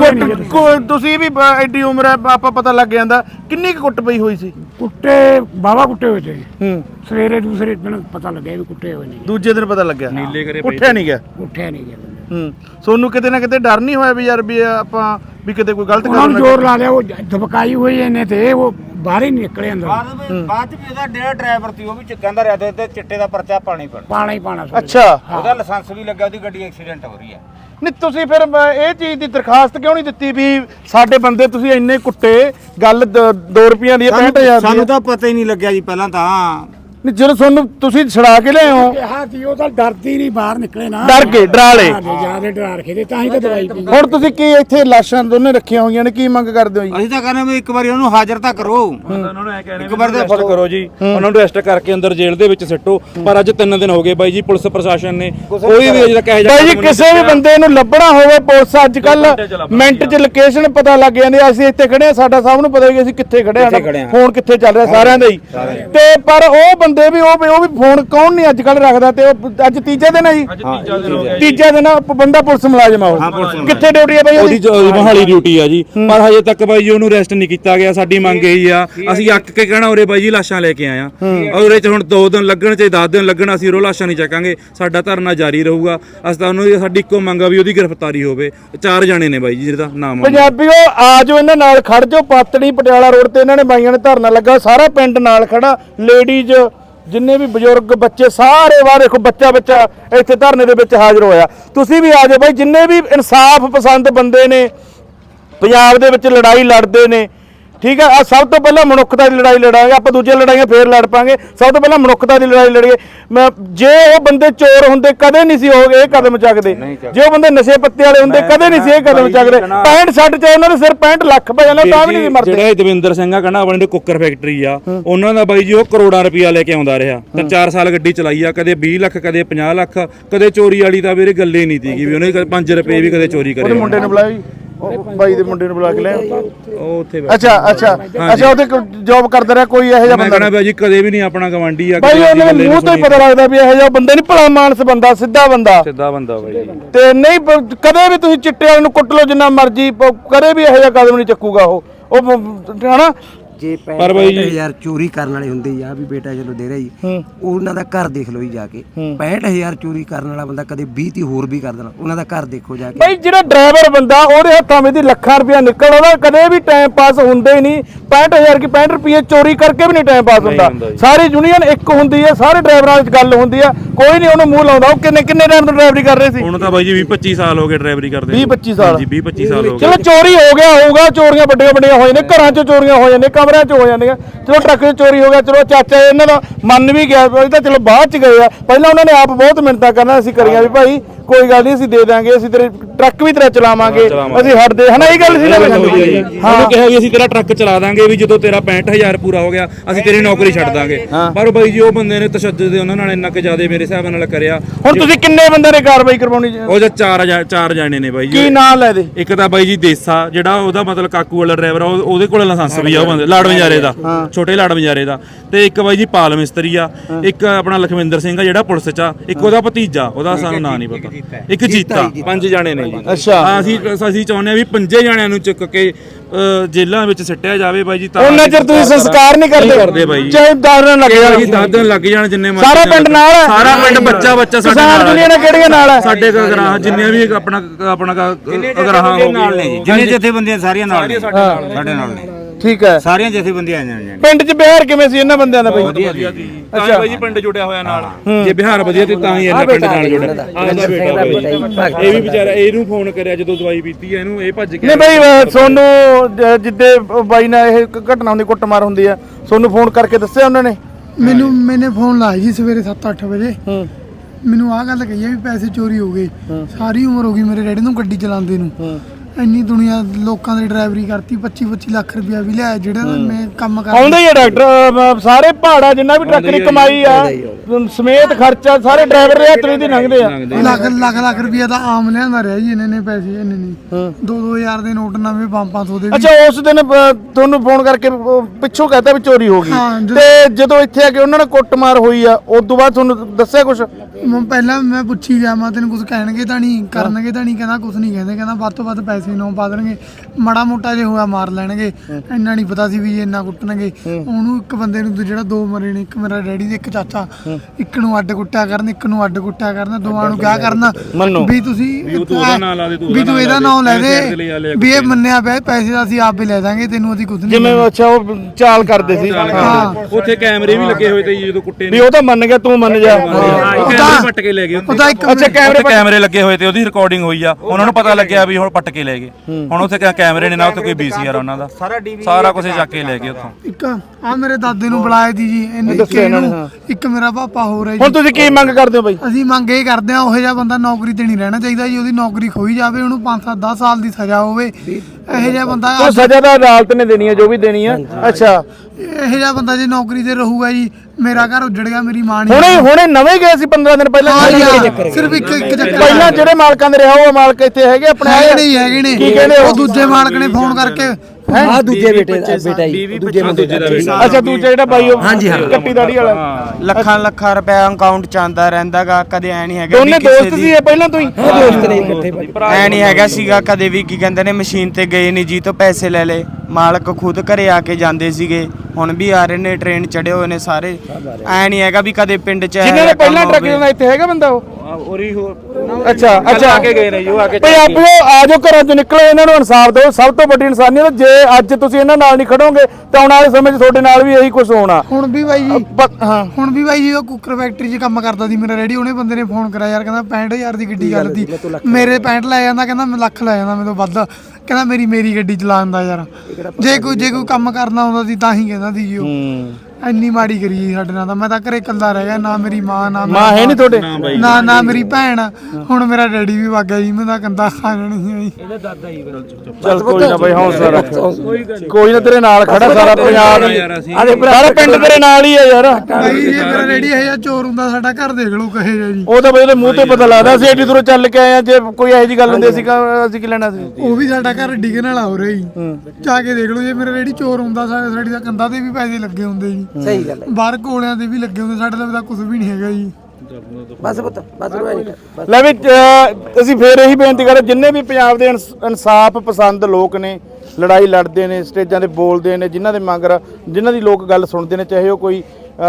ਤੁਸੀਂ ਵੀ ਐਡੀ ਉਮਰ ਹੈ, ਆਪਾਂ ਪਤਾ ਲੱਗ ਜਾਂਦਾ। ਕਿੰਨੀ ਕੁ ਕੁੱਟ ਪਈ ਹੋਈ ਸੀ?
ਕੁੱਟੇ ਬਾਵਾ ਕੁੱਟੇ ਹੋਏ ਤੇ
ਹੂੰ।
ਸਵੇਰੇ ਦੂਸਰੇ ਦਿਨ ਪਤਾ ਲੱਗਿਆ ਵੀ ਕੁੱਟੇ ਹੋਏ ਨੇ।
ਦੂਜੇ ਦਿਨ ਪਤਾ ਲੱਗਿਆ?
ਨੀਲੇ ਕਰੇ
ਉੱਠਿਆ ਨਹੀਂ ਗਿਆ?
ਉੱਠਿਆ ਨਹੀਂ ਗਿਆ।
ਤੁਹਾਨੂੰ ਕਿਤੇ ਨਾ ਕਿਤੇ ਡਰ ਨਹੀਂ ਹੋਇਆ ਵੀ ਯਾਰ ਵੀ ਆਪਾਂ ਵੀ ਕਿਤੇ ਕੋਈ ਗਲਤ
ਉਹਨਾਂ
ਕਰ
ਨੂੰ ਜ਼ੋਰ ਲਾ ਲਿਆ, ਉਹ ਦਬਕਾਈ ਹੋਈ ਇਹਨੇ ਤੇ ਉਹ ਬਾਹਰ ਹੀ ਨਹੀਂ ਨਿਕਲੇ ਅੰਦਰ।
ਬਾਅਦ ਚ ਵੀ ਉਹਦਾ ਡਰਾਈਵਰ ਸੀ, ਉਹ ਵੀ ਕਹਿੰਦਾ ਰਿਹਾ ਤੇ ਚਿੱਟੇ ਦਾ ਪਰਚਾ ਪਾਣੀ ਪੈਣਾ।
ਪਾਣਾ ਹੀ ਪਾਣਾ।
ਅੱਛਾ
ਉਹਦਾ ਲਾਇਸੈਂਸ ਵੀ ਲੱਗਾ, ਉਹਦੀ ਗੱਡੀ ਐਕਸੀਡੈਂਟ ਹੋ ਰਹੀ ਹੈ।
ਨਹੀਂ ਤੁਸੀਂ ਫਿਰ ਇਹ ਚੀਜ਼ ਦੀ ਦਰਖਾਸਤ ਕਿਉਂ ਨਹੀਂ ਦਿੱਤੀ ਵੀ ਸਾਡੇ ਬੰਦੇ ਤੁਸੀਂ ਇੰਨੇ ਕੁੱਟੇ? ਗੱਲ 2 ਰੁਪਈਆਂ ਦੀ 65,000
ਸਾਨੂੰ ਤਾਂ ਪਤਾ ਹੀ ਨਹੀਂ ਲੱਗਿਆ ਜੀ ਪਹਿਲਾਂ ਤਾਂ।
ਨਹੀਂ ਜਦੋਂ ਤੁਹਾਨੂੰ ਤੁਸੀਂ ਛੜਾ ਕੇ ਲਿਆਏ ਹੋ?
ਕਿਹਾ ਕਿ ਉਹ ਤਾਂ ਡਰਦੀ ਨਹੀਂ ਬਾਹਰ ਨਿਕਲੇ ਨਾ।
ਡਰ ਕੇ ਡਰਾਲੇ?
ਜਿਆਦਾ ਡਰਾ ਰਖੇ ਤੇ ਤਾਂ ਹੀ ਤਾਂ ਦਵਾਈ ਪੀ।
ਹੁਣ ਤੁਸੀਂ ਕੀ ਇੱਥੇ ਲਾਸ਼ਾਂ ਦੋਨੇ ਰੱਖੀਆਂ ਹੋਈਆਂ ਨੇ, ਕੀ ਮੰਗ ਕਰਦੇ ਹੋ ਜੀ?
ਅਸੀਂ ਤਾਂ ਕਹਿੰਦੇ ਵੀ ਇੱਕ ਵਾਰੀ ਉਹਨੂੰ ਹਾਜ਼ਰ ਤਾਂ ਕਰੋ।
ਉਹਨਾਂ ਨੂੰ ਐ ਕਹਿੰਦੇ
ਇੱਕ ਵਾਰ ਤਾਂ
ਅਰੈਸਟ ਕਰੋ ਜੀ, ਉਹਨਾਂ ਨੂੰ ਅਰੈਸਟ ਕਰਕੇ ਅੰਦਰ ਜੇਲ੍ਹ ਦੇ ਵਿੱਚ ਸਿੱਟੋ। ਪਰ ਅੱਜ 3 ਦਿਨ ਹੋ ਗਏ ਬਾਈ ਜੀ, ਪੁਲਿਸ ਪ੍ਰਸ਼ਾਸਨ ਨੇ ਕੋਈ ਵੀ ਅਜੇ ਤੱਕ ਇਹ
ਬਾਈ ਜੀ ਕਿਸੇ ਵੀ ਬੰਦੇ ਨੂੰ ਲੱਭਣਾ ਹੋਵੇ, ਪੁਲਿਸ ਅੱਜ ਕੱਲ ਮਿੰਟ 'ਚ ਲੋਕੇਸ਼ਨ ਪਤਾ ਲੱਗ ਜਾਂਦੀ। ਅਸੀਂ ਇੱਥੇ ਖੜੇ ਆ, ਸਾਡਾ ਸਭ ਨੂੰ ਪਤਾ ਵੀ ਅਸੀਂ ਕਿੱਥੇ ਖੜੇ ਆ, ਫੋਨ ਕਿੱਥੇ ਚੱਲ ਰਿਹਾ ਸਾਰਿਆਂ ਦਾ ਹੀ। ਤੇ ਪਰ ਉਹ ਬੰਦੇ ਵੀ ਉਹ ਫੋਨ ਕੌਣ ਨਹੀਂ ਅੱਜ ਕੱਲ ਰੱਖਦਾ। ਤੇ ਉਹ ਅੱਜ ਤੀਜਾ ਦਿਨ ਹੈ ਜੀ, ਤੀਜਾ ਦਿਨ ਬੰਦਾ ਪੁਲਿਸ ਮੁਲਾਜ਼ਮ ਆ ਉਹ। ਕਿੱਥੇ ਡਿਊਟੀ ਹੈ ਬਾਈ
ਉਹਦੀ ਮੋਹਾਲੀ ਡਿਊਟੀ ਆ ਜੀ, ਪਰ ਹਜੇ ਤੱਕ ਬਾਈ ਜੀ ਉਹਨੂੰ ਅਰੈਸਟ ਨਹੀਂ ਕੀਤਾ ਗਿਆ। ਸਾਡੀ ਮੰਗ ਇਹੀ ਆ, ਅਸੀਂ ਅੱਕ ਕੇ ਕਹਿਣਾ ਉਰੇ ਬਾਈ ਜੀ ਲਾਸ਼ਾਂ ਲੈ ਕੇ ਆਇਆ। ਔਰ ਉਰੇ ਚ ਹੁਣ 2 ਦਿਨ ਲੱਗਣ ਚਾਹੇ 10 ਦਿਨ ਲੱਗਣ, ਅਸੀਂ ਉਹ ਲਾਸ਼ਾਂ ਨਹੀਂ ਚੱਕਾਂਗੇ। ਸਾਡਾ ਧਰਨਾ ਜਾਰੀ ਰਹੂਗਾ। ਅਸੀਂ ਤਾਂ ਉਹਨੂੰ ਸਾਡੀ ਇੱਕੋ ਮੰਗ ਆ ਵੀ ਉਹਦੀ ਗ੍ਰਿਫਤਾਰੀ ਹੋਵੇ। 4 ਜਾਣੇ ਨੇ ਬਾਈ ਜੀ ਜਿਹਦਾ ਨਾਮ
ਪੰਜਾਬੀਓ ਆ ਜਾਓ ਇਹਨਾਂ ਨਾਲ ਖੜ ਜਾਓ। ਪਾਤੜੀ ਪਟਿਆਲਾ ਰੋਡ ਤੇ ਇਹਨਾਂ ਨੇ ਬਾਈਆਂ ਨੇ ਧਰਨਾ ਲੱਗਾ, ਸਾਰਾ ਪਿੰਡ ਨਾਲ ਖੜਾ, ਲੇਡੀਜ਼ ਜਿੰਨੇ ਵੀ ਬਜ਼ੁਰਗ ਬੱਚੇ ਸਾਰੇ ਬਾਹਰ ਦੇਖੋ, ਬੱਚਾ ਇੱਥੇ ਧਰਨੇ ਦੇ ਵਿੱਚ ਹਾਜ਼ਰ ਹੋਇਆ। ਤੁਸੀਂ ਵੀ ਆ ਜਾਓ ਬਾਈ, ਜਿੰਨੇ ਵੀ ਇਨਸਾਫ ਪਸੰਦ ਬੰਦੇ ਨੇ ਪੰਜਾਬ ਦੇ ਵਿੱਚ ਲੜਾਈ ਲੜਦੇ ਨੇ, ਠੀਕ ਹੈ। ਆ ਸਭ ਤੋਂ ਪਹਿਲਾਂ ਮਨੁੱਖਤਾ ਦੀ ਲੜਾਈ ਲੜਾਂਗੇ ਆਪਾਂ, ਦੂਜੀਆਂ ਲੜਾਈਆਂ ਫੇਰ ਲੜ ਪਾਂਗੇ। ਸਭ ਤੋਂ ਪਹਿਲਾਂ ਮਨੁੱਖਤਾ ਦੀ ਲੜਾਈ ਲੜੀਏ। ਜੇ ਉਹ ਬੰਦੇ ਚੋਰ ਹੁੰਦੇ ਕਦੇ ਨਹੀਂ ਸੀ ਇਹ ਕਦਮ ਚੱਕਦੇ। ਜੇ ਉਹ ਬੰਦੇ ਨਸ਼ੇ ਪੱਤੇ ਵਾਲੇ ਹੁੰਦੇ ਕਦੇ ਨਹੀਂ ਸੀ ਇਹ ਕਦਮ ਚੱਕਦੇ। 65 ਚ ਉਹਨਾਂ ਦੇ ਸਿਰ 65 ਲੱਖ ਪੈ ਜਾਂਦਾ, ਤਾਂ ਵੀ ਨਹੀਂ ਮਰਦੇ।
ਜਿਹੜਾ ਦਵਿੰਦਰ ਸਿੰਘ ਆ ਕਹਿੰਦਾ ਆਪਣੇ ਕੁੱਕਰ ਫੈਕਟਰੀ ਆ, ਉਹਨਾਂ ਦਾ ਬਾਈ ਜੀ ਉਹ ਕਰੋੜਾਂ ਰੁਪਇਆ ਲੈ ਕੇ ਆਉਂਦਾ ਰਿਹਾ। 4 ਸਾਲ ਗੱਡੀ ਚਲਾਈ ਆ, ਕਦੇ 20 ਲੱਖ ਕਦੇ 50 ਲੱਖ, ਕਦੇ ਚੋਰੀ ਵਾਲੀ ਤਾਂ ਵੀਰੇ ਗੱਲੇ ਨਹੀਂ ਸੀਗੀ ਵੀ ਉਹਨੇ 5 ਰੁਪਏ ਵੀ ਕਦੇ ਚੋਰੀ ਕਰੇ।
ਉਹਦੇ ਮੁੰਡੇ ਨੂੰ ਬੁਲਾਇਆ ਜੀ, ਉਹ ਬਾਈ ਦੇ ਮੁੰਡੇ ਨੂੰ ਬੁਲਾ ਕੇ ਲੈ।
ਉਹ ਉੱਥੇ
ਅੱਛਾ ਉਹਦੇ ਜੌਬ ਕਰਦਾ ਰਿਹਾ ਕੋਈ ਇਹੋ ਜਿਹਾ
ਮੈਂ
ਬੰਦਾ?
ਕਹਿੰਦਾ ਬਾਈ ਜੀ ਕਦੇ ਵੀ ਨਹੀਂ ਆਪਣਾ ਗਵਾਂਢੀ ਆ
ਬਾਈ ਉਹਨਾਂ ਦੇ ਮੂੰਹ ਤੋਂ ਹੀ ਪਤਾ ਲੱਗਦਾ ਵੀ ਇਹੋ ਜਿਹਾ ਬੰਦਾ ਨਹੀਂ, ਭਲਾ ਮਾਨਸ ਬੰਦਾ, ਸਿੱਧਾ ਬੰਦਾ,
ਸਿੱਧਾ ਬੰਦਾ ਬਾਈ ਜੀ।
ਤੇ ਨਹੀਂ ਕਦੇ ਵੀ ਤੁਸੀਂ ਚਿੱਟੇ ਵਾਲੇ ਨੂੰ ਕੁੱਟ ਲਓ ਜਿੰਨਾ ਮਰਜ਼ੀ, ਕਦੇ ਵੀ ਇਹੋ ਜਿਹਾ ਕਦਮ ਨਹੀਂ ਚੱਕੂਗਾ ਉਹ ਹਨਾ।
ਜੇ
ਪਰ ਬਾਈ ਜੀ
65,000 ਚੋਰੀ ਕਰਨ ਵਾਲੇ ਹੁੰਦੇ ਆ ਵੀ ਬੇਟਾ ਚਲੋ ਦੇ ਰਿਹਾ ਜੀ, ਉਹਨਾਂ ਦਾ ਘਰ ਦੇਖ ਲਓ ਜੀ ਜਾ ਕੇ। 65,000 ਚੋਰੀ ਕਰਨ ਵਾਲਾ ਬੰਦਾ ਕਦੇ 20 ਤੀ ਹੋਰ ਵੀ ਕਰ ਦੇਣਾ, ਉਹਨਾਂ ਦਾ ਘਰ ਦੇਖੋ ਜਾ ਕੇ।
ਬਾਈ ਜਿਹੜਾ ਡਰਾਈਵਰ ਬੰਦਾ ਉਹਦੇ ਹੱਥਾਂ ਵਿੱਚ ਲੱਖਾਂ ਰੁਪਇਆ ਨਿਕਲ ਉਹਦਾ ਕਦੇ ਵੀ ਟਾਈਮ ਪਾਸ ਹੁੰਦਾ ਹੀ ਨਹੀਂ। 65,000 ਕੀ 65 ਰੁਪਏ ਚੋਰੀ ਕਰਕੇ ਵੀ ਨਹੀਂ ਟਾਈਮ ਪਾਸ ਹੁੰਦਾ। ਸਾਰੀ ਯੂਨੀਅਨ ਇੱਕ ਹੁੰਦੀ ਹੈ, ਸਾਰੇ ਡਰਾਈਵਰਾਂ ਵਿੱਚ ਗੱਲ ਹੁੰਦੀ ਆ, ਕੋਈ ਨਹੀਂ ਉਹਨੂੰ ਮੂੰਹ ਲਾਉਂਦਾ। ਉਹ ਕਿੰਨੇ ਟਾਈਮ ਤੋਂ ਡਰਾਈਵਰੀ ਕਰ ਰਹੇ ਸੀ?
ਹੁਣ ਤਾਂ ਬਾਈ ਜੀ 20-25 ਸਾਲ ਹੋ ਗਏ ਡਰਾਈਵਰੀ ਕਰਦੇ।
20-25 ਸਾਲ?
ਜੀ 20-25 ਸਾਲ ਹੋ ਗਏ।
ਚਲੋ ਚੋਰੀ ਹੋ ਗਿਆ ਹੋਊਗਾ, ਚੋਰੀਆਂ ਵੱਡੀਆਂ ਹੋ ਜਾਂਦੀਆਂ, ਘਰਾਂ 'ਚ ਚੋਰੀਆਂ ਹੋ ਜਾਂਦੀਆਂ, ਕਮਰਿਆਂ 'ਚ ਹੋ ਜਾਂਦੀਆਂ। ਚਲੋ ਟਰੱਕ 'ਚ ਚੋਰੀ ਹੋ ਗਿਆ, ਚਲੋ ਚਾਚਾ ਇਹਨਾਂ ਦਾ ਮੰਨ ਵੀ ਗਿਆ, ਇਹ ਤਾਂ ਚਲੋ ਬਾਅਦ 'ਚ ਗਏ ਆ। ਪਹਿਲਾਂ ਉਹਨਾਂ ਨੇ ਆਪ ਬਹੁਤ ਮਿਹਨਤਾਂ ਕਰਨਾ ਅਸੀਂ ਕਰੀਆਂ ਵੀ ਭਾਈ ਕੋਈ ਗੱਲ ਨਹੀਂ ਅਸੀਂ ਦੇ ਦਾਂਗੇ, ਅਸੀਂ ਤੇਰੇ ਟਰੱਕ ਵੀ ਤੇਰਾ ਚਲਾਵਾਂਗੇ, ਅਸੀਂ ਹਟਦੇ ਹਨਾ, ਇਹ ਗੱਲ ਸੀ ਨਾ
ਉਹਨੂੰ ਕਿਹਾ ਵੀ ਅਸੀਂ ਤੇਰਾ ਟਰੱਕ ਚਲਾ ਦਾਂਗੇ, ਵੀ ਜਦੋਂ ਤੇਰਾ 65,000 ਪੂਰਾ ਹੋ ਗਿਆ ਅਸੀਂ ਤੇਰੀ ਨੌਕਰੀ ਛੱਡ ਦਾਂਗੇ। ਪਰ ਬਾਈ ਜੀ ਉਹ ਬੰਦੇ ਨੇ ਤਸ਼ੱਦਦ ਉਹਨਾਂ ਨਾਲ ਇੰਨਾ ਕਿ ਜ਼ਿਆਦਾ ਮੇਰੇ ਹਿਸਾਬ ਨਾਲ ਕਰਿਆ।
ਹੁਣ ਤੁਸੀਂ ਕਿੰਨੇ ਬੰਦਿਆਂ ਨੇ ਕਾਰਵਾਈ ਕਰਵਾਉਣੀ?
ਉਹ ਜਾਂ ਚਾਰ ਜਾਣੇ ਨੇ ਬਾਈ ਜੀ।
ਕੀ ਨਾਂ ਲੈ ਦੇ?
ਇੱਕ ਤਾਂ ਬਾਈ ਜੀ ਦੇਸਾ, ਜਿਹੜਾ ਉਹਦਾ ਮਤਲਬ ਕਾਕੂ ਵਾਲਾ ਡਰਾਈਵਰ ਆ, ਉਹਦੇ ਕੋਲ ਲਾਇਸੈਂਸ ਵੀ ਆ ਉਹ ਬੰਦੇ ਲਾੜ ਬੰਜਾਰੇ ਦਾ, ਛੋਟੇ ਲਾੜ ਬੰਜਾਰੇ ਦਾ। ਤੇ ਇੱਕ ਬਾਈ ਜੀ ਪਾਲ ਮਿਸਤਰੀ ਆ, ਇੱਕ ਆਪਣਾ ਲਖਵਿੰਦਰ ਸਿੰਘ ਆ ਜਿਹੜਾ ਪੁਲਿਸ 'ਚ ਆ, ਇੱਕ ਉਹਦਾ ਭਤੀਜਾ, ਉਹਦਾ ਸਾਨੂੰ ਨਾਂ ਨਹੀਂ ਪਤਾ, ਇੱਕ ਜੀਤਾ। 5 ਜਾਣੇ ਨੇ ਜੀ।
ਅੱਛਾ।
ਅਸੀਂ ਚਾਹੁੰਦੇ ਆ ਵੀ 5 ਜਾਣਿਆਂ ਨੂੰ ਚੁੱਕ ਕੇ ਜੇਲ੍ਹਾਂ ਵਿੱਚ ਸਿੱਟਿਆ ਜਾਵੇ ਬਾਈ ਜੀ।
ਉਹਨਾਂ ਚਿਰ ਤੁਸੀਂ ਸੰਸਕਾਰ ਨਹੀਂ ਕਰਦੇ
ਬਾਈ ਜੀ।
ਚਾਹੇ 10 ਦਿਨ ਲੱਗ ਜਾਣ,
10 ਦਿਨ ਲੱਗ ਜਾਣ, ਜਿੰਨੇ ਮਰਜ਼ੀ।
ਸਾਰਾ ਪਿੰਡ ਨਾਲ ਹੈ?
ਸਾਰਾ ਪਿੰਡ ਬੱਚਾ ਸਾਡੇ
ਕਿਸਾਨ
ਨਾਲ
ਦੁਨੀਆ ਕਿਹੜੀਆਂ ਨਾਲ ਹੈ?
ਸਾਡੇ ਗਰਾਹ ਜਿੰਨੇ ਵੀ ਆਪਣਾ ਗਰਾਹਾਂ ਹੋ
ਨਾਲ ਨੇ ਜੀ, ਜਿੰਨੇ ਜਥੇਬੰਦੀਆਂ ਸਾਰੀਆਂ ਨਾਲ ਨੇ, ਸਾਡੇ ਨਾਲ ਨੇ,
ਠੀਕ ਹੈ।
ਸਾਰੀਆਂ ਜਥੇਬੰਦੀਆਂ ਆ ਜਾਣੀਆਂ।
ਪਿੰਡ 'ਚ ਬਿਹਾਰ ਕਿਵੇਂ ਸੀ ਇਹਨਾਂ ਬੰਦਿਆਂ ਦਾ ਬਈ?
ਅੱਛਾ ਬਾਈ ਜੀ, ਪਿੰਡ ਜੁੜਿਆ ਹੋਇਆ ਨਾਲ। ਜੇ ਬਿਹਾਰ ਵਧੀਆ ਤੇ ਤਾਂ ਹੀ ਇਹਨਾਂ ਪਿੰਡ ਨਾਲ ਜੁੜਿਆ। ਆਹਦਾ ਬੇਟਾ ਬਾਈ ਜੀ, ਇਹ ਵੀ ਵਿਚਾਰਾ, ਇਹਨੂੰ ਫੋਨ ਕਰਿਆ ਜਦੋਂ ਦਵਾਈ ਪੀਤੀ ਹੈ ਇਹਨੂੰ, ਇਹ ਭੱਜ ਕੇ।
ਨਹੀਂ ਬਈ ਸੋਨੂੰ ਜਿੱਦੇ ਬਾਈ ਨਾਲ ਇਹ ਘਟਨਾ ਹੁੰਦੀ, ਕੁੱਟਮਾਰ ਹੁੰਦੀ ਆ, ਸੋਨੂੰ ਫੋਨ ਕਰਕੇ ਦੱਸਿਆ ਉਹਨਾਂ ਨੇ?
ਮੈਨੇ ਫੋਨ ਲਾਇਆ ਜੀ ਸਵੇਰੇ 7-8 ਵਜੇ। ਮੈਨੂੰ ਆਹ ਗੱਲ ਕਹੀ ਆ ਵੀ ਪੈਸੇ ਚੋਰੀ ਹੋ ਗਏ। ਸਾਰੀ ਉਮਰ ਹੋ ਗਈ ਮੇਰੇ ਡੈਡੀ ਨੂੰ ਗੱਡੀ ਚਲਾਉਂਦੇ ਨੂੰ। ਇੰਨੀ ਦੁਨੀਆ ਲੋਕਾਂ ਦੀ ਡਰਾਈਵਰੀ ਕਰਤੀ, 25-25 ਲੱਖ ਰੁਪਇਆ ਵੀ ਲਿਆ ਜਿਹੜਾ ਮੈਂ ਕੰਮ ਕਰਦਾ।
ਆਉਂਦਾ ਹੀ ਆ ਡਾਕਟਰ, ਸਾਰੇ ਪਹਾੜਾ ਜਿੰਨਾ ਵੀ ਟਰੱਕ ਦੀ ਕਮਾਈ ਆ ਸਮੇਤ ਖਰਚਾ ਸਾਰੇ ਡਰਾਈਵਰ ਦੇ ਹੱਥ ਵਿੱਚ ਲੰਘਦੇ ਆ।
ਲੱਖ ਰੁਪਇਆ ਤਾਂ ਆਮ ਲਿਆਂਦਾ ਰਿਹਾ ਜੀ। ਇਹਨੇ ਪੈਸੇ ਇਹਨੇ ਨਹੀਂ 2-2000 ਦੇ ਨੋਟ ਨਵੇਂ 500 ਦੇ।
ਅੱਛਾ, ਉਸ ਦਿਨ ਤੁਹਾਨੂੰ ਫੋਨ ਕਰਕੇ ਪਿੱਛੋਂ ਕਹਤਾ ਵੀ ਚੋਰੀ ਹੋ ਗਈ, ਤੇ ਜਦੋਂ ਇੱਥੇ ਆ ਕੇ ਉਹਨਾਂ ਨੇ ਕੁੱਟਮਾਰ ਹੋਈ ਆ, ਉਸ ਤੋਂ ਬਾਅਦ ਤੁਹਾਨੂੰ ਦੱਸਿਆ ਕੁਝ?
ਪਹਿਲਾਂ ਮੈਂ ਪੁੱਛੀ ਗਿਆ, ਮੈਂ ਤੈਨੂੰ ਕੁਝ ਕਹਿਣਗੇ ਤਾਂ ਨਹੀਂ, ਕਰਨਗੇ ਤਾਂ ਨਹੀਂ? ਕਹਿੰਦਾ ਕੁਝ ਨਹੀਂ ਕਹਿੰਦੇ, ਕਹਿੰਦਾ ਵੱਧ ਤੋਂ ਵੱਧ ਪੈਸੇ ਨੂੰ ਪਾ ਦੇਣਗੇ, ਮਾੜਾ ਮੋਟਾ ਜੇ ਹੋਇਆ ਮਾਰ ਲੈਣਗੇ। ਇੰਨਾ ਨਹੀਂ ਪਤਾ ਸੀ ਵੀ ਇੰਨਾ ਕੁੱਟਣਗੇ ਉਹਨੂੰ। ਇੱਕ ਬੰਦੇ ਨੂੰ ਜਿਹੜਾ 2 ਮਰੇ ਨੇ, ਇੱਕ ਮੇਰਾ ਡੈਡੀ ਦੇ, ਇੱਕ ਚਾਚਾ, ਇੱਕ ਨੂੰ ਅੱਡ ਕੁੱਟਿਆ ਕਰਨ, ਇੱਕ ਨੂੰ ਅੱਡ ਕੁੱਟਿਆ ਕਰਨ, ਦੋਵਾਂ ਨੂੰ ਕਿਆ ਕਰਨਾ ਵੀ ਤੁਸੀਂ ਵੀ ਤੂੰ ਇਹਦਾ ਨਾਮ ਲੈ ਦੇ, ਵੀ ਇਹ ਮੰਨਿਆ ਪਿਆ ਪੈਸੇ ਦਾ ਅਸੀਂ ਆਪ ਵੀ ਲੈ ਦਾਂਗੇ, ਤੈਨੂੰ ਅਸੀਂ ਕੁਝ ਨਹੀਂ।
ਜਿਵੇਂ ਅੱਛਾ ਉਹ ਚਾਲ ਕਰਦੇ ਸੀ,
ਉੱਥੇ ਕੈਮਰੇ ਵੀ ਲੱਗੇ ਹੋਏ ਤੇ ਜਦੋਂ ਕੁੱਟੇ
ਵੀ ਉਹ ਤਾਂ ਮੰਨ ਗਿਆ, ਤੂੰ ਮੰਨ ਜਾ।
ਕੈਮਰੇ ਪੱਟ ਕੇ ਲੈ ਗਏ
ਉਹਦਾ ਇੱਕ
ਅੱਛਾ,
ਕੈਮਰੇ ਲੱਗੇ ਹੋਏ ਤੇ ਉਹਦੀ ਰਿਕਾਰਡਿੰਗ ਹੋਈ ਆ, ਉਹਨਾਂ ਨੂੰ ਪਤਾ ਲੱਗਿਆ ਵੀ ਹੁਣ ਪੱਟ ਕੇ ਲੈ ਗਏ। ਹੁਣ ਉੱਥੇ ਕੈਮਰੇ ਨੇ ਨਾ, ਉੱਥੇ ਕੋਈ ਵੀਸੀਆਰ ਉਹਨਾਂ ਦਾ, ਸਾਰਾ ਕੁਝ ਚੱਕ ਕੇ ਲੈ ਗਏ ਉੱਥੋਂ।
ਇੱਕ ਆ ਮੇਰੇ ਦਾਦੇ ਨੂੰ ਬੁਲਾਇਆ ਦੀ ਜੀ ਇੱਕ ਮੇਰਾ ਪਾਪਾ ਹੋ ਰਿਹਾ ਜੀ।
ਹੁਣ ਤੁਸੀਂ ਕੀ ਮੰਗ ਕਰਦੇ ਹੋ ਬਈ?
ਅਸੀਂ ਮੰਗ ਇਹ ਕਰਦੇ ਆ, ਉਹ ਜਿਹਾ ਬੰਦਾ ਨੌਕਰੀ ਤੇ ਨਹੀਂ ਰਹਿਣਾ ਚਾਹੀਦਾ ਜੀ। ਉਹਦੀ ਨੌਕਰੀ ਖੋਈ ਜਾਵੇ, ਉਹਨੂੰ 5-10 ਸਾਲ ਦੀ ਸਜ਼ਾ ਹੋਵੇ। ਇਹੋ ਜਿਹਾ ਬੰਦਾ
ਉਹ ਸਜ਼ਾ ਤਾਂ ਅਦਾਲਤ ਨੇ ਦੇਣੀ ਹੈ, ਜੋ ਵੀ ਦੇਣੀ ਹੈ। ਅੱਛਾ,
ਇਹੋ ਜਿਹਾ ਬੰਦਾ ਜੇ ਨੌਕਰੀ ਤੇ ਰਹੂਗਾ ਜੀ, ਮੇਰਾ ਘਰ ਉੱਜੜ ਗਿਆ, ਮੇਰੀ ਮਾਂ ਨਹੀਂ।
ਹੁਣੇ ਨਵੇਂ ਗਏ ਸੀ 15 ਦਿਨ ਪਹਿਲਾਂ।
ਸਿਰਫ ਇੱਕ ਚੱਕਰ
ਪਹਿਲਾਂ ਜਿਹੜੇ ਮਾਲਕਾਂ ਦੇ ਰਿਹਾ ਉਹ ਮਾਲਕ ਇੱਥੇ ਹੈਗੇ ਆਪਣੇ?
ਹੈਗੇ ਨੇ।
ਕੀ ਕਹਿੰਦੇ
ਉਹ ਦੂਜੇ ਮਾਲਕ ਨੇ ਫੋਨ ਕਰਕੇ
ਆ ਦੂਜੇ ਬੇਟੇ ਦਾ ਬੇਟਾ ਹੀ, ਦੂਜੇ ਮੁੰਡੇ ਦਾ।
ਅੱਛਾ, ਦੂਜਾ ਜਿਹੜਾ ਬਾਈ ਉਹ ਕੱਟੀ ਦਾੜੀ ਵਾਲਾ,
ਲੱਖਾਂ ਰੁਪਏ ਅਕਾਊਂਟ ਚ ਆਂਦਾ ਰਹਿੰਦਾਗਾ, ਕਦੇ ਐ ਨਹੀਂ ਹੈਗਾ
ਦੋਨੇ ਦੋਸਤ ਸੀ ਇਹ ਪਹਿਲਾਂ ਤੋਂ ਹੀ?
ਦੋਸਤ ਨੇ ਇਕੱਠੇ।
ਐ ਨਹੀਂ ਹੈਗਾ ਸੀਗਾ ਕਦੇ ਵੀ ਕੀ ਕਹਿੰਦੇ ਨੇ ਮਸ਼ੀਨ ਤੇ ਗਏ ਨਹੀਂ ਜੀ ਤੋਂ ਪੈਸੇ ਲੈ ਲਏ। ਮਾਲਕ ਖੁਦ ਘਰੇ ਆ ਕੇ ਜਾਂਦੇ ਸੀਗੇ, ਹੁਣ ਵੀ ਆ ਰਹੇ ਨੇ, ਟ੍ਰੇਨ ਚੜੇ ਹੋਏ ਨੇ ਸਾਰੇ। ਐ ਨਹੀਂ ਹੈਗਾ ਵੀ ਕਦੇ ਪਿੰਡ ਚ
ਜਿਹਨਾਂ ਨੇ ਪਹਿਲਾਂ ਟਰੱਕ ਚਲਾਉਣਾ ਇੱਥੇ ਹੈਗਾ ਬੰਦਾ ਉਹ? ਅੱਛਾ ਆ ਕੇ ਗਏ ਨੇ ਜੀ, ਉਹ ਆ ਕੇ ਪੰਜਾਬੀਓ ਆ ਜਾਓ, ਘਰਾਂ ਚੋਂ ਨਿਕਲੋ, ਇਹਨਾਂ ਨੂੰ ਇਨਸਾਫ ਦਿਓ। ਸਭ ਤੋਂ ਵੱਡੀ ਇਨਸਾਨੀਅਤ, ਜੇ ਅੱਜ ਤੁਸੀਂ ਇਹਨਾਂ ਨਾਲ ਨਹੀਂ ਖੜੋਗੇ ਤਾਂ ਆਉਣ ਵਾਲੇ ਸਮੇਂ 'ਚ ਤੁਹਾਡੇ ਨਾਲ ਵੀ ਇਹੀ ਕੁਝ ਹੋਣਾ।
ਹੁਣ ਵੀ ਬਾਈ ਜੀ,
ਹਾਂ,
ਹੁਣ ਵੀ ਬਾਈ ਜੀ ਉਹ ਕੁੱਕਰ ਫੈਕਟਰੀ 'ਚ ਕੰਮ ਕਰਦਾ ਸੀ ਮੇਰਾ ਡੈਡੀ। ਉਹਨੇ ਬੰਦੇ ਨੇ ਫੋਨ ਕਰਿਆ ਯਾਰ, ਕਹਿੰਦਾ 65,000 ਦੀ ਗੱਡੀ ਗੱਲ ਦੀ, ਮੇਰੇ 65 ਲੈ ਜਾਂਦਾ, ਕਹਿੰਦਾ ਮੈਂ ਲੱਖ ਲੈ ਜਾਂਦਾ ਮੇਰੇ ਤੋਂ ਵੱਧ, ਕਹਿੰਦਾ ਮੇਰੀ ਗੱਡੀ ਚਲਾਉਂਦਾ ਯਾਰ। ਜੇ ਕੋਈ ਕੰਮ ਕਰਨਾ ਹੁੰਦਾ ਸੀ ਤਾਂ ਹੀ ਕਹਿੰਦਾ ਸੀ ਜੀ ਉਹ। ਇੰਨੀ ਮਾੜੀ ਕਰੀ ਜੀ ਸਾਡੇ ਨਾਲ ਤਾਂ। ਮੈਂ ਤਾਂ ਘਰੇ ਇਕੱਲਾ ਰਹਿ ਗਿਆ, ਨਾ ਮੇਰੀ ਮਾਂ, ਨਾ
ਮਾਂ ਹੈ ਨਹੀਂ ਤੁਹਾਡੇ?
ਨਾ ਮੇਰੀ ਭੈਣ। ਹੁਣ ਮੇਰਾ ਡੈਡੀ ਵੀ ਵਗ ਗਿਆ ਜੀ, ਮੈਂ ਤਾਂ ਕੰਦਾ ਖਾ ਜਾਣੀ ਸੀ।
ਚੱਲ ਕੋਈ ਨਾ ਬਾਈ, ਹੌਸਲਾ ਰੱਖ, ਕੋਈ ਨਾ, ਤੇਰੇ ਨਾਲ ਖੜਾ ਸਾਰਾ ਪੰਜਾਬ, ਸਾਰਾ ਪਿੰਡ ਤੇਰੇ ਨਾਲ ਹੀ ਆ ਯਾਰ।
ਬਾਈ ਜੇ ਮੇਰਾ ਡੈਡੀ ਇਹ ਜਿਹਾ ਚੋਰ ਹੁੰਦਾ, ਸਾਡਾ ਘਰ ਦੇਖ ਲਓ ਕਹੇ ਜਾ ਜੀ।
ਉਹ ਤਾਂ ਬਈ ਉਹਦੇ ਮੂੰਹ ਤੇ ਪਤਾ ਲੱਗਦਾ ਸੀ, ਏਡੀ ਦੂਰੋਂ ਚੱਲ ਕੇ ਆਏ ਆ। ਜੇ ਕੋਈ ਇਹੋ ਜਿਹੀ ਗੱਲ ਹੁੰਦੀ ਅਸੀਂ ਕੀ ਲੈਣਾ ਸੀ?
ਉਹ ਵੀ ਸਾਡਾ ਘਰ ਡਿੱਗਣ ਵਾਲਾ ਹੋ ਰਿਹਾ ਜੀ। ਜਾ ਕੇ ਦੇਖ ਲਓ, ਜੇ ਮੇਰਾ ਡੈਡੀ ਚੋਰ ਹੁੰਦਾ, ਸਾਡੀ ਦਾ ਕੰਧਾਂ ਤੇ ਵੀ ਪੈਸੇ ਲੱਗੇ ਹੁੰਦੇ ਜੀ,
ਸਹੀ ਗੱਲ ਹੈ।
ਬਾਹਰ ਕੋਲਿਆਂ ਤੇ ਵੀ ਲੱਗੇ ਹੁੰਦੇ, ਸਾਡੇ ਲਈ ਤਾਂ ਕੁਝ ਵੀ ਨਹੀਂ ਹੈਗਾ ਜੀ।
ਬਸ
ਲੈ ਵੀ ਅਸੀਂ ਫੇਰ ਇਹੀ ਬੇਨਤੀ ਕਰਦੇ, ਜਿੰਨੇ ਵੀ ਪੰਜਾਬ ਦੇ ਇਨਸਾਫ ਪਸੰਦ ਲੋਕ ਨੇ, ਲੜਾਈ ਲੜਦੇ ਨੇ, ਸਟੇਜਾਂ ਤੇ ਬੋਲਦੇ ਨੇ, ਜਿਨ੍ਹਾਂ ਦੇ ਮਗਰ ਜਿਨ੍ਹਾਂ ਦੀ ਲੋਕ ਗੱਲ ਸੁਣਦੇ ਨੇ, ਚਾਹੇ ਉਹ ਕੋਈ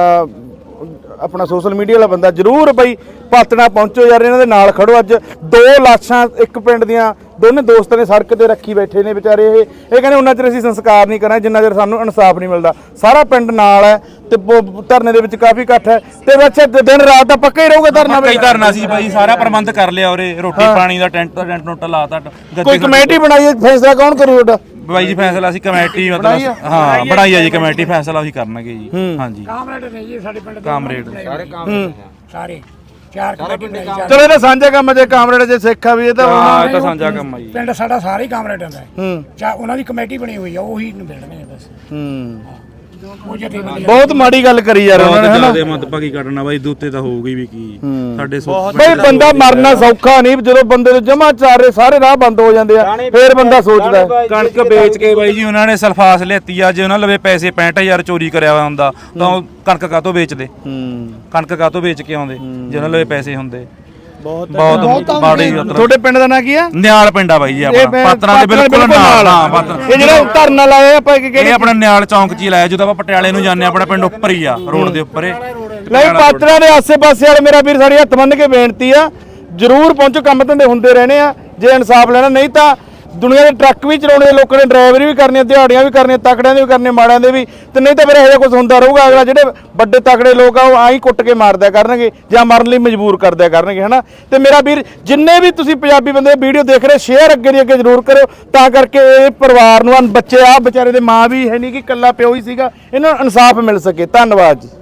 ਆਪਣਾ ਸੋਸ਼ਲ ਮੀਡੀਆ ਵਾਲਾ ਬੰਦਾ, ਜ਼ਰੂਰ ਬਈ ਪਾਤਣਾ ਪਹੁੰਚੋ ਯਾਰ, ਇਹਨਾਂ ਦੇ ਨਾਲ ਖੜੋ। ਅੱਜ 2 ਲਾਸ਼ਾਂ ਇੱਕ ਪਿੰਡ ਦੀਆਂ, ਦੋਨੇ ਦੋਸਤ ਨੇ ਸੜਕ ਤੇ ਰੱਖੀ ਬੈਠੇ ਨੇ ਵਿਚਾਰੇ। ਇਹ ਕਹਿੰਦੇ ਉਹਨਾਂ ਚਿਰ ਅਸੀਂ ਸੰਸਕਾਰ ਨਹੀਂ ਕਰਾਂਗੇ ਜਿੰਨਾ ਚਿਰ ਸਾਨੂੰ ਇਨਸਾਫ ਨਹੀਂ ਮਿਲਦਾ। ਸਾਰਾ ਪਿੰਡ ਨਾਲ ਹੈ ਤੇ ਧਰਨੇ ਦੇ ਵਿੱਚ ਕਾਫੀ ਇਕੱਠ ਹੈ, ਤੇ ਅੱਛਾ ਦਿਨ ਰਾਤ ਦਾ ਪੱਕਾ ਹੀ ਰਹੂਗਾ ਧਰਨਾ?
ਕਈ ਧਰਨਾ ਸੀ ਬਾਈ, ਸਾਰਾ ਪ੍ਰਬੰਧ ਕਰ ਲਿਆ ਉਰੇ, ਰੋਟੀ ਪਾਣੀ ਦਾ ਟੈਂਟ ਟੁੱਟ ਲਾਤਾ।
ਕੋਈ ਕਮੇਟੀ ਬਣਾਈ ਹੈ, ਫੈਸਲਾ ਕੌਣ ਕਰੂ ਤੁਹਾਡਾ?
ਬਾਈ ਜੀ ਫੈਸਲਾ ਅਸੀਂ ਕਮੇਟੀ ਮਤਲਬ ਹਾਂ ਬਣਾਈ ਆ ਜੀ, ਕਮੇਟੀ ਫੈਸਲਾ ਅਸੀਂ ਕਰਨਗੇ ਜੀ। ਹਾਂਜੀ,
ਕਾਮਰੇਡ ਨੇ ਜੀ ਸਾਡੇ ਪਿੰਡ ਦੇ
ਕਾਮਰੇਡ
ਸਾਰੇ 4 ਕਮੇਟੀ ਬਣਾਈ ਚਾਰ।
ਚਲੋ ਇਹਦਾ ਸਾਂਝਾ ਕੰਮ ਜੇ ਕਾਮਰੇਡ ਜੇ ਸਿੱਖ ਆ ਵੀ ਇਹ ਤਾਂ
ਹਾਂ ਇਹ ਤਾਂ ਸਾਂਝਾ ਕੰਮ ਆ ਜੀ।
ਪਿੰਡ ਸਾਡਾ ਸਾਰੇ ਕਾਮਰੇਡਾਂ ਦਾ ਹੈ।
ਹੂੰ
ਉਹਨਾਂ ਦੀ ਕਮੇਟੀ ਬਣੀ ਹੋਈ ਆ ਉਹੀ ਨਿਬੇੜਦੇ ਨੇ ਬਸ।
ਹੂੰ
ਉਹ ਜਥੇਬੰਦੀ
ਬਹੁਤ ਮਾੜੀ ਗੱਲ ਕਰੀ ਯਾਰ ਉਹਨਾਂ ਨੇ ਹਨਾ
ਜਿਆਦਾ ਮਤਭਾਗੀ ਕੱਢਣਾ ਬਾਈ ਦੂਤੇ ਤਾਂ ਹੋਊਗੀ ਵੀ ਕੀ ਸਾਡੇ
ਬਈ ਬੰਦਾ ਮਰਨਾ ਸੌਖਾ ਨਹੀਂ ਜਦੋਂ ਬੰਦੇ ਨੂੰ ਜਮਾ ਚਾਰੇ ਸਾਰੇ ਰਾਹ ਬੰਦ ਹੋ ਜਾਂਦੇ ਆ ਫੇਰ ਬੰਦਾ ਸੋਚਦਾ ਹੈ।
ਕਣਕ ਵੇਚ ਕੇ ਬਾਈ ਜੀ ਉਹਨਾਂ ਨੇ ਸਲਫਾਸ ਲਿਆਤੀ ਆ ਜੇ ਉਹਨਾਂ ਲਵੇ ਪੈਸੇ 65000 ਚੋਰੀ ਕਰਿਆ ਹੋਇਆ ਹੁੰਦਾ ਤਾਂ ਉਹ ਕਣਕ ਕਾਹਤੋਂ ਵੇਚਦੇ ਕਣਕ ਕਾਹਤੋਂ ਵੇਚ ਕੇ ਆਉਂਦੇ ਜੇ ਉਹਨਾਂ ਲਵੇ ਪੈਸੇ ਹੁੰਦੇ ਬਹੁਤ ਮਾੜੀ ਗੱਲ।
ਤੁਹਾਡੇ ਪਿੰਡ ਦਾ ਨਾਂ ਕੀ ਆ?
ਨਿਆਲ ਪਿੰਡਾ ਬਾਈ ਜੀ ਆਪਣਾ ਪਾਤਰਾਂ ਦੇ ਬਿਲਕੁਲ ਨਾਲ ਹਾਂ ਪਾਤਰਾਂ
ਇਹ ਜਿਹੜਾ ਧਰਨਾ ਲਾਇਆ ਆਪਾਂ
ਇਹ ਆਪਣਾ ਨਿਆਲ ਚੌਂਕ 'ਚ ਹੀ ਲਾਇਆ ਜਦੋਂ ਆਪਾਂ ਪਟਿਆਲੇ ਨੂੰ ਜਾਂਦੇ ਆਪਣਾ ਪਿੰਡ ਉੱਪਰ ਹੀ ਆ ਰੋਡ ਦੇ ਉੱਪਰ
ਨਹੀਂ ਪਾਤਰਾਂ ਦੇ ਆਸੇ-ਪਾਸੇ ਵਾਲੇ ਮੇਰਾ ਵੀਰ ਸਾਡੀ ਹੱਥ ਬੰਨ੍ਹ ਕੇ ਬੇਨਤੀ ਆ ਜਰੂਰ ਪਹੁੰਚੋ ਕੰਮ ਧੰਦੇ ਹੁੰਦੇ ਰਹਿਣੇ ਆ ਜੇ ਇਨਸਾਫ ਲੈਣਾ ਨਹੀਂ ਤਾਂ ਦੁਨੀਆ ਦੇ ਟਰੱਕ ਵੀ ਚਲਾਉਣੇ ਲੋਕਾਂ ਨੇ ਡਰਾਈਵਰੀ ਵੀ ਕਰਨੀ ਦਿਹਾੜੀਆਂ ਵੀ ਕਰਨੀਆਂ ਤਕੜਿਆਂ ਦੇ ਵੀ ਕਰਨੇ ਮਾੜਿਆਂ ਦੇ ਵੀ ਤੇ ਨਹੀਂ ਤਾਂ ਫਿਰ ਇਹੋ ਜਿਹਾ ਕੁਝ ਹੁੰਦਾ ਰਹੂਗਾ ਅਗਲਾ ਜਿਹੜੇ ਵੱਡੇ ਤਕੜੇ ਲੋਕ ਆ ਉਹ ਆਈ ਕੁੱਟ ਕੇ ਮਾਰਦਿਆ ਕਰਨਗੇ ਜਾਂ ਮਰਨ ਲਈ ਮਜਬੂਰ ਕਰਦਿਆ ਕਰਨਗੇ ਹਨਾ ਤੇ ਮੇਰਾ ਵੀਰ ਜਿੰਨੇ ਵੀ ਤੁਸੀਂ ਪੰਜਾਬੀ ਬੰਦੇ ਵੀਡੀਓ ਦੇਖ ਰਹੇ ਸ਼ੇਅਰ ਅੱਗੇ ਦੀ ਅੱਗੇ ਜ਼ਰੂਰ ਕਰਿਓ ਤਾਂ ਕਰਕੇ ਇਹ ਪਰਿਵਾਰ ਨੂੰ ਬੱਚੇ ਆ ਵਿਚਾਰੇ ਦੇ ਮਾਂ ਵੀ ਹੈ ਨਹੀਂ ਕਿ ਇਕੱਲਾ ਪਿਓ ਹੀ ਸੀਗਾ ਇਹਨਾਂ ਨੂੰ ਇਨਸਾਫ ਮਿਲ ਸਕੇ ਧੰਨਵਾਦ ਜੀ।